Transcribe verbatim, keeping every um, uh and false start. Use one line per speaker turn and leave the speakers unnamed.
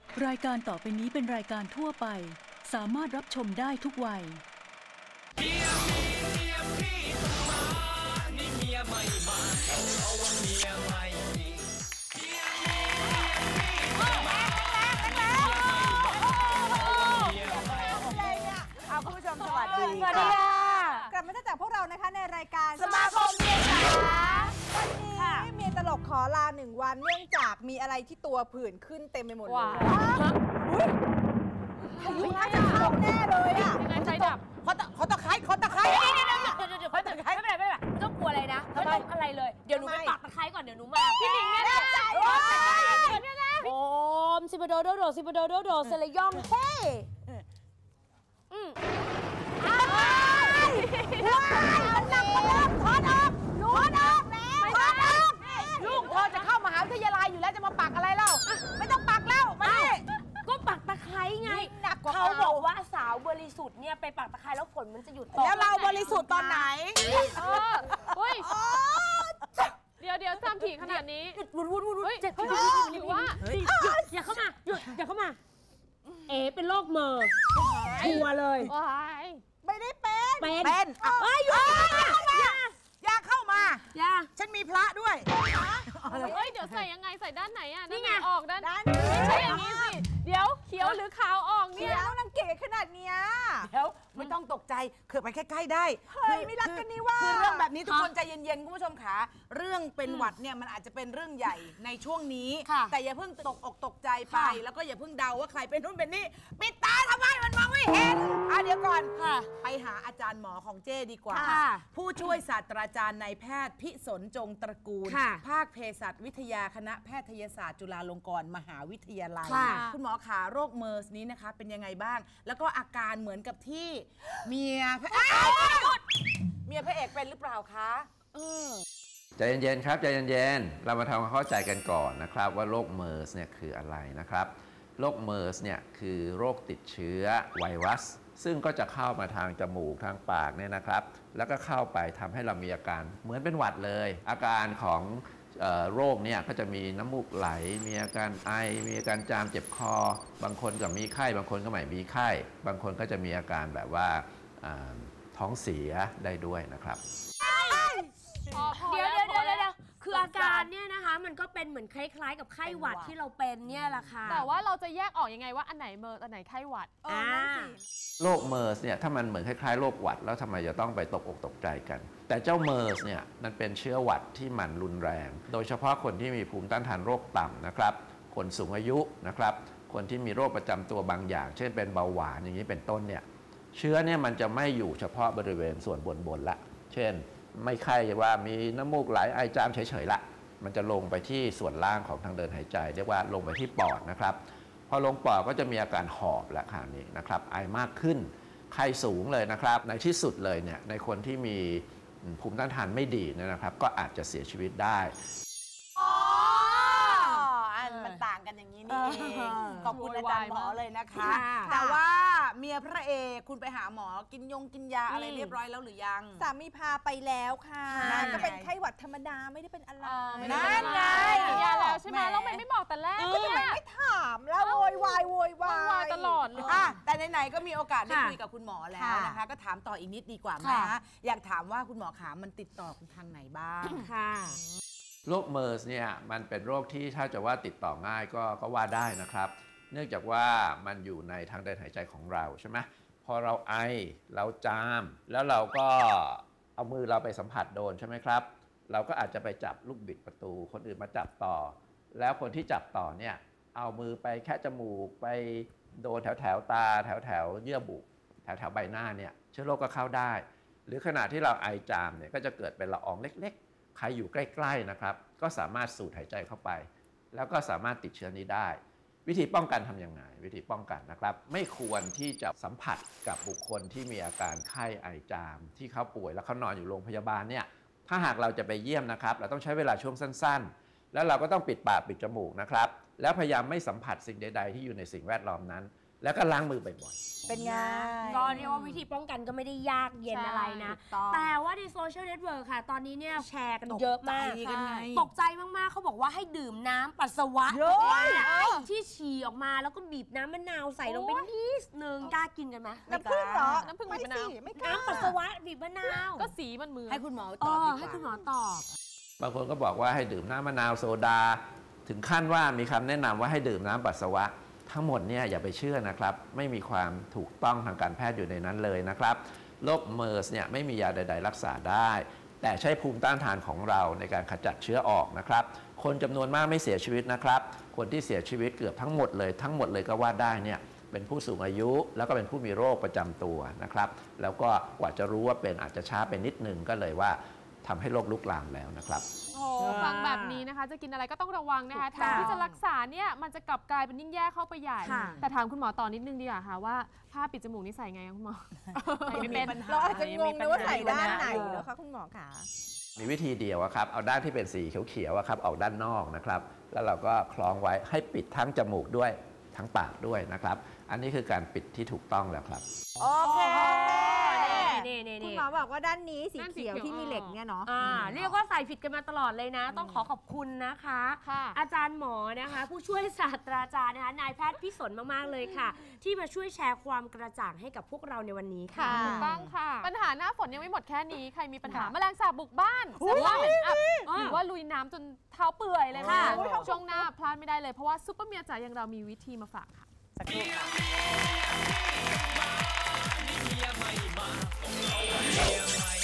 รายการต่อไปนี้เป็นรายการทั่วไปสามารถรับชมได้ทุกวัยเมียมีเมียพี่ต้องมานี่เมียไม่มาเพราะว่าเมียไม่มีเมียมีเมียพี่ต้องมา
เอาคุณผู้ชมสวัสดีค่ะกลับมาจากพวกเรานะคะในรายการสมาคมเมียจ๋าวันนี้เมียตลกขอลาหนึ่งวันเนื่องจากมีอะไรที่ตัวผื่นขึ้นเต็มไปหมดเลยอุ้ยพายุน่าจะเข้าแน่เลยอ่ะยังไงไฟดับเขาตะเขาตะไคร้เขาตะไคร้เดี๋ยวเดี๋ยวเดี๋ยวเดี๋ยวเขาตะไคร้ไม่เป็นไรไม่เป็นไรไม่ต้องกลัวอะไรนะไม่ต้องอะไรเลยเดี๋ยวหนูไปปักตะไคร้ก่อนเดี๋ยวหนูมาพี่หนิงเนี่ยนะโอมซิบโดโดโดซิบโดโดโดเซเลยองเฮ้อืมว้ายมันหนักมาเริ่มถอดออกถอดออกแล้วถอดออกลูกเธอจะเข้ามหาวิทยาลัยอยู่แล้วจะมาปักอะไรเล่าไม่ต้องปักแล้วมาก็ปักตะไคร้ไงเขาบอกว่าสาวบริสุทธิ์เนี่ยไปปักตะไคร้แล้วฝนมันจะหยุดแล้วเราบริสุทธิ์ตอนไหน
เออเฮ้ยเดี๋ยวเดี๋ยวจำถี่ขนาดนี้
วุ้นวุ้นวุ้นเจ็บ
หรือว่า
อย่าเข้ามาหยุดอย่าเข้ามาเอ๋เป็นโรคเมอร์ชัวร์เลยไม่ได้เป็นเป็นเป็นเอ้ยอย่าอย่าเข้ามาอย่าฉันมีพระด้วย
เฮ้ยเดี๋ยวใส่ยังไงใส่ด้านไหนอ่ะนี่ไงออกด้านไม่ใช่อย่างนี้สิเดี๋ยวเขียวหรือขาวออกเนี่ย
แล้วนางเก๋ขนาดเนี้ยเดี๋ยวไม่ต้องตกใจเขื่อไปใกล้ๆได้เฮ้ยไม่รักกันนี่ว่าคือเรื่องแบบนี้ทุกคนใจเย็นๆคุณผู้ชมขาเรื่องเป็นหวัดเนี่ยมันอาจจะเป็นเรื่องใหญ่ในช่วงนี้แต่อย่าเพิ่งตกอกตกใจไปแล้วก็อย่าเพิ่งเดาว่าใครเป็นนู่นเป็นนี่ปิดตาทำไมมันมองไม่เห็นอ่ะเดี๋ยวก่อนไปหาอาจารย์หมอของเจ้ดีกว่าผู้ช่วยศาสตราจารย์นายแพทย์พิสนจงตระกูลภาคเภสัชวิทยาคณะแพทยศาสตร์จุฬาลงกรณ์มหาวิทยาลัยคุณหมอขาโรคเมอร์สนี้นะคะเป็นยังไงบ้างแล้วก็อาการเหมือนกับที่เมียพระเอกเมียพระเอกเป็นหรือเปล่าคะ
ใจเย็นๆครับใจเย็นๆเรามาทำความเข้าใจกันก่อนนะครับว่าโรคเมอร์สเนี่ยคืออะไรนะครับโรคเมอร์สเนี่ยคือโรคติดเชื้อไวรัสซึ่งก็จะเข้ามาทางจมูกทางปากเนี่ยนะครับแล้วก็เข้าไปทำให้เรามีอาการเหมือนเป็นหวัดเลยอาการของโรคเนี่ยก็จะมีน้ำมูกไหลมีอาการไอมีอาการจามเจ็บคอบางคนก็มีไข้บางคนก็ไม่มีไข้บางคนก็จะมีอาการแบบว่าท้องเสียได้ด้วยนะครับ
เดี๋ยวเดี๋ยวเดี๋ยวเดี๋ยวคืออาการเนี่ยนะคะมันก็เป็นเหมือนคล้ายๆกับไข้หวัดที่เราเป็นเนี่ยแหละค่ะ
แต่ว่าเราจะแยกออกยังไงว่าอันไหนเมอร์อันไหนไข้หวัด
อ่า
โรคเมอร์สเนี่ยถ้ามันเหมือนคล้ายๆโรคหวัดแล้วทำไมจะต้องไปตกอกตกใจกันแต่เจ้าเมอร์สเนี่ยมันเป็นเชื้อหวัดที่มันรุนแรงโดยเฉพาะคนที่มีภูมิต้านทานโรคต่ำนะครับคนสูงอายุนะครับคนที่มีโรคประจำตัวบางอย่างเช่นเป็นเบาหวานอย่างนี้เป็นต้นเนี่ยเชื้อเนี่ยมันจะไม่อยู่เฉพาะบริเวณส่วนบนๆละเช่นไม่ไข้ว่ามีน้ำมูกไหลไอจามเฉยๆละมันจะลงไปที่ส่วนล่างของทางเดินหายใจเรียกว่าลงไปที่ปอดนะครับพอลงปอดก็จะมีอาการหอบและคราวนี้นะครับไอมากขึ้นไข้สูงเลยนะครับในที่สุดเลยเนี่ยในคนที่มีภูมิต้านทานไม่ดีนะครับก็อาจจะเสียชีวิตได้
มันต่างกันอย่างนี้นี่เองขอบคุณอาจารย์หมอเลยนะคะแต่ว่าเมียพระเอกคุณไปหาหมอกินยงกินยาอะไรเรียบร้อยแล้วหรือยังสามีพาไปแล้วค่ะก็เป็นไข้หวัดธรรมดาไม่ได้เป็นอะไร
นั่นไงยาแล้วใช่ไหมแล้วไม่ไม่บอกแต่แรก
ก็ยังไม่ถามแล้วโวยวายโวยวาย
ตลอดเลย
แต่ไหนๆก็มีโอกาสได้คุยกับคุณหมอแล้วนะคะก็ถามต่ออีกนิดดีกว่าไหมอยากถามว่าคุณหมอขามันติดต่อทางไหนบ้างค่ะ
โรคเมอร์สเนี่ยมันเป็นโรคที่ถ้าจะว่าติดต่อง่ายก็ก็ว่าได้นะครับเนื่องจากว่ามันอยู่ในทางเดินหายใจของเราใช่ไหมพอเราไอเราจามแล้วเราก็เอามือเราไปสัมผัสโดนใช่ไหมครับเราก็อาจจะไปจับลูกบิดประตูคนอื่นมาจับต่อแล้วคนที่จับต่อเนี่ยเอามือไปแค่จมูกไปโดนแถวแถวตาแถวแถวเยื่อบุแถวแถวใบหน้าเนี่ยเชื้อโรคก็เข้าได้หรือขณะที่เราไอจามเนี่ยก็จะเกิดเป็นละอองเล็กๆใครอยู่ใกล้ๆนะครับก็สามารถสูดหายใจเข้าไปแล้วก็สามารถติดเชื้อนี้ได้วิธีป้องกันทำยังไงวิธีป้องกันนะครับไม่ควรที่จะสัมผัสกับบุคคลที่มีอาการไข้ไอจามที่เขาป่วยแล้วเขานอนอยู่โรงพยาบาลเนี่ยถ้าหากเราจะไปเยี่ยมนะครับเราต้องใช้เวลาช่วงสั้นๆแล้วเราก็ต้องปิดปากปิดจมูกนะครับแล้วพยายามไม่สัมผัสสิ่งใดๆที่อยู่ในสิ่งแวดล้อมนั้นแล้วก็ล้างมือบ่อยๆ
เป็นไง
ก็เรียกว่าวิธีป้องกันก็ไม่ได้ยากเย็นอะไรนะ แต่ว่าในโซเชียลเน็ตเวิร์กค่ะ ตอนนี้เนี่ยแชร์กันเยอะมาก ตกใจมากๆเขาบอกว่าให้ดื่มน้ำปัสสาวะที่ฉี่ออกมาแล้วก็บีบน้ำมะนาวใส่ลงไปนิดนึงกล้ากินกันไหม
น้ำผึ้งเหรอ
น้ำผึ้งบีบมะนาว
ไม่กล้า
น้ำปัสสาวะบีบมะนาว
ก็สีมันมือ
ให้คุณหมอ
เอ
ตอบ
อ
ดีก
ให้
ว่า
คุณหมอตอบ
บางคนก็บอกว่าให้ดื่มน้ำมะนาวโซดา ถึงขั้นว่ามีคำแนะนำว่าให้ดื่มน้ำปัสสาวะทั้งหมดเนี่ยอย่าไปเชื่อนะครับไม่มีความถูกต้องทางการแพทย์อยู่ในนั้นเลยนะครับโรคเมอร์สเนี่ยไม่มียาใดๆรักษาได้ แต่ใช้ภูมิต้านทานของเราในการขจัดเชื้อออกนะครับคนจำนวนมากไม่เสียชีวิตนะครับคนที่เสียชีวิตเกือบทั้งหมดเลยทั้งหมดเลยก็ว่าได้เนี่ยเป็นผู้สูงอายุแล้วก็เป็นผู้มีโรคประจำตัวนะครับแล้วก็กว่าจะรู้ว่าเป็นอาจจะช้าไปนิดนึงก็เลยว่าทำให้โรคลุกลามแล้วนะครับ
โอ้ฟังแบบนี้นะคะจะกินอะไรก็ต้องระวังนะคะแทนที่จะรักษาเนี่ยมันจะกลับกลายเป็นยิ่งแย่เข้าไปใหญ่ แต่ถามคุณหมอต่อนิดนึงดีกว่าค่ะว่าผ้าปิดจมูกนี่ใส่ไงคุณหมอไม่เป็น
เราอาจจะงงนะว่าใส่ด้านไหนเหรอคะคุณหมอคะ
มีวิธีเดียวอะครับเอาด้านที่เป็นสีเขียวๆอะครับออกด้านนอกนะครับแล้วเราก็คล้องไว้ให้ปิดทั้งจมูกด้วยทั้งปากด้วยนะครับอันนี้คือการปิดที่ถูกต้องแล้วครับ
โอเค
นี่นี่
คุณ
นี่
หมอบอกว่าด้านนี้สี
ด้านสี
เขียว
เขียว
ที่มีเหล็กเนี่ยเนาะ
อ่าเรียกว่าใส่ผิดกันมาตลอดเลยนะ ต้องขอขอบคุณนะคะ
ค่ะ
อาจารย์หมอนะคะ ผู้ช่วยศาสตราจารย์นะคะนายแพทย์พิสนมากๆเลยค่ะ ที่มาช่วยแชร์ความกระจ่างให้กับพวกเราในวันนี้ค่ะ
ถูกต้องค่ะ ปัญหาหน้าฝนยังไม่หมดแค่นี้ ใครมีปัญหาแมลงสาบบุกบ้านเสื้อผ้าเหม็นอับหรือว่าลุยน้ำจนเท้าเปื่อยเลยค่ะ ช่วงหน้าพลาดไม่ได้เลย เพราะว่าซุปเปอร์เมียจ๋าอย่างเรามีวิธีมาฝากค่ะ
สักครู่ค่ะ
เมียไม่มาต้องเอาเมียใหม่